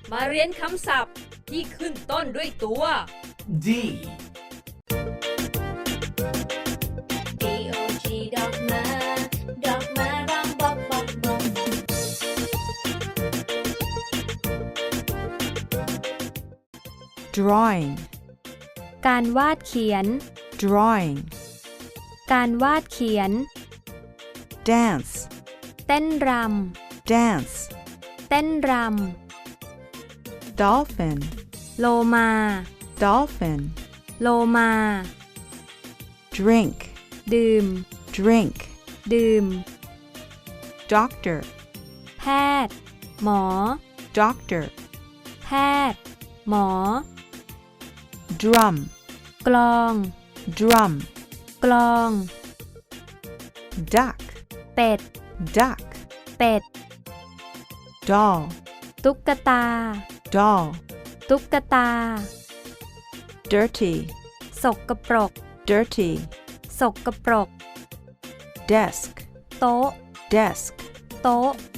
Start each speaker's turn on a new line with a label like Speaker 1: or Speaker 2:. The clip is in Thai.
Speaker 1: มาเรียนคำศัพท์ที่ขึ้นต้นด้วยตัว
Speaker 2: D.
Speaker 3: D-O-G ดอกไม้ร้องบอกบอกบอก
Speaker 4: drawing
Speaker 5: การวาดเขียน
Speaker 4: drawing
Speaker 5: การวาดเขียน
Speaker 4: dance
Speaker 5: เต้นร
Speaker 4: dance
Speaker 5: ำ เต้นร
Speaker 4: dolphin
Speaker 5: ำ โลมา
Speaker 4: dolphin
Speaker 5: โลมา
Speaker 4: drink
Speaker 5: ดื่ม
Speaker 4: drink
Speaker 5: ดื่ม
Speaker 4: doctor
Speaker 5: แพทย์ หมอ
Speaker 4: doctor
Speaker 5: แพทย์ หมอ
Speaker 4: drum
Speaker 5: กลอง
Speaker 4: drum
Speaker 5: กลอง
Speaker 4: duck
Speaker 5: เป็ด
Speaker 4: duck
Speaker 5: เป็ด
Speaker 4: doll
Speaker 5: ตุ๊กตา
Speaker 4: doll
Speaker 5: ตุ๊กตา
Speaker 4: dirty
Speaker 5: สกปรก
Speaker 4: dirty
Speaker 5: สกปรก
Speaker 4: desk
Speaker 5: โต๊ะ
Speaker 4: desk
Speaker 5: โต๊ะ